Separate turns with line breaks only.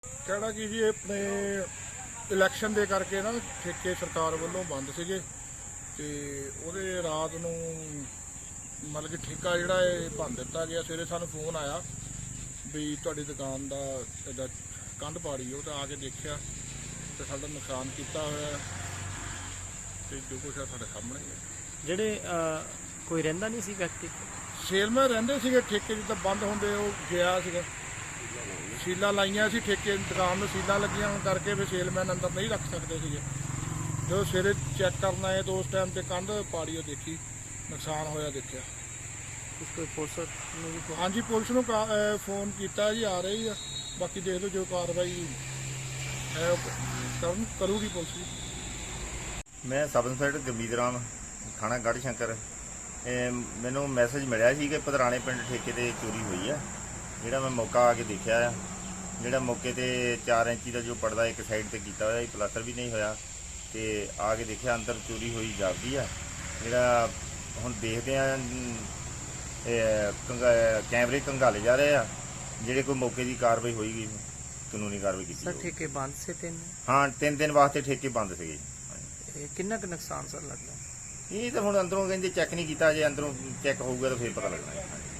कहना कि जी अपने इलैक्शन दे करके ना ठेके सरकार वालों बंद सीगे ते ਉਹਦੇ ਰਾਤ ਨੂੰ मतलब कि ठेका ਜਿਹੜਾ ਇਹ ਭੰਨ ਦਿੱਤਾ ਗਿਆ। ਸਵੇਰੇ ਸਾਨੂੰ ਫੋਨ ਆਇਆ ਵੀ ਤੁਹਾਡੀ ਦੁਕਾਨ ਦਾ ਇਹਦਾ ਕੰਧ ਪਾੜੀ। ਉਹ ਤਾਂ ਆ ਕੇ ਦੇਖਿਆ ਤੇ ਸਾਡਾ ਨੁਕਸਾਨ ਕੀਤਾ ਹੋਇਆ ਤੇ ਜੋ ਕੁਛ ਆ ਸਾਡੇ ਸਾਹਮਣੇ ਹੀ ਹੈ।
ਜਿਹੜੇ ਕੋਈ ਰਹਿੰਦਾ ਨਹੀਂ ਸੀ ਵਿਅਕਤੀ,
ਸੇਲਮੈਨ ਰਹਿੰਦੇ ਸੀਗੇ ਠੇਕੇ ਜਿੱਦਾਂ ਬੰਦ ਹੁੰਦੇ ਉਹ ਗਿਆ ਸੀਗਾ। ਸੀਲਾਂ ਲਾਈਆਂ ਸੀ ਠੇਕੇ ਦੁਕਾਨ ਨੂੰ, ਸੀਲਾਂ ਲੱਗੀਆਂ ਹੋਣ ਕਰਕੇ ਫਿਰ ਸੇਲਮੈਨ ਅੰਦਰ ਨਹੀਂ ਰੱਖ ਸਕਦੇ ਸੀਗੇ। ਜਦੋਂ ਸਵੇਰੇ ਚੈੱਕ ਕਰਨ ਆਏ ਤਾਂ ਉਸ ਟਾਈਮ ਤੇ ਕੰਧ ਪਾੜੀ ਉਹ ਦੇਖੀ, ਨੁਕਸਾਨ ਹੋਇਆ ਦੇਖਿਆ।
ਕੋਈ ਪੁਲਿਸ ਨੂੰ ਵੀ
ਹਾਂਜੀ ਪੁਲਿਸ ਨੂੰ ਫੋਨ ਕੀਤਾ ਜੀ, ਆ ਰਹੀ ਆ। ਬਾਕੀ ਦੇਖ ਲਓ ਜੋ ਕਾਰਵਾਈ ਹੈ ਉਹ ਕਰੂਗੀ ਪੁਲਿਸ ਵੀ।
ਮੈਂ ਸਬ ਇੰਸਪੈਕਟਰ ਗੁਰਮੀਤ ਰਾਮ, ਥਾਣਾ ਗੜ੍ਹ ਸ਼ੰਕਰ। ਮੈਨੂੰ ਮੈਸੇਜ ਮਿਲਿਆ ਸੀ ਕਿ ਪਧਰਾਣੇ ਪਿੰਡ ਠੇਕੇ ਤੇ ਚੋਰੀ ਹੋਈ ਆ। ਜਿਹੜਾ ਮੈਂ ਮੌਕਾ ਆ ਕੇ ਦੇਖਿਆ ਆ। ਜਿਹੜਾ ਮੌਕੇ ਤੇ 4 ਇੰਚੀ ਦਾ ਜੋ ਪਰਦਾ ਇੱਕ ਸਾਈਡ ਤੇ ਕੀਤਾ ਹੋਇਆ, ਪਲਾਸਟਰ ਵੀ ਨਹੀਂ ਹੋਇਆ, ਤੇ ਆ ਕੇ ਦੇਖਿਆ ਅੰਦਰ ਚੋਰੀ ਹੋਈ ਜਾਪਦੀ ਆ। ਜਿਹੜਾ ਹੁਣ ਦੇਖਦੇ ਆ ਕੈਮਰੇ ਕੰਘਾਲੇ ਜਾ ਰਹੇ ਆ। ਜਿਹੜੇ ਕੋਈ ਮੌਕੇ ਦੀ ਕਾਰਵਾਈ ਹੋਏਗੀ, ਕਾਨੂੰਨੀ ਕਾਰਵਾਈ ਕੀਤੀ
ਸਰ ਠੇਕੇ ਬੰਦ ਸੇ ਤਿੰਨ?
ਹਾਂ, 3 ਦਿਨ ਵਾਸਤੇ ਠੇਕੇ ਬੰਦ ਸੀਗੇ।
ਕਿੰਨਾ ਕੁ ਨੁਕਸਾਨ ਸਰ ਲੱਗਦਾ?
ਇਹ ਤਾਂ ਹੁਣ ਅੰਦਰੋਂ ਕਹਿੰਦੇ ਚੈੱਕ ਨਹੀਂ ਕੀਤਾ, ਜੇ ਅੰਦਰੋਂ ਚੈੱਕ ਹੋਊਗਾ ਤਾਂ ਫਿਰ ਪਤਾ ਲੱਗਣਾ ਹੈ।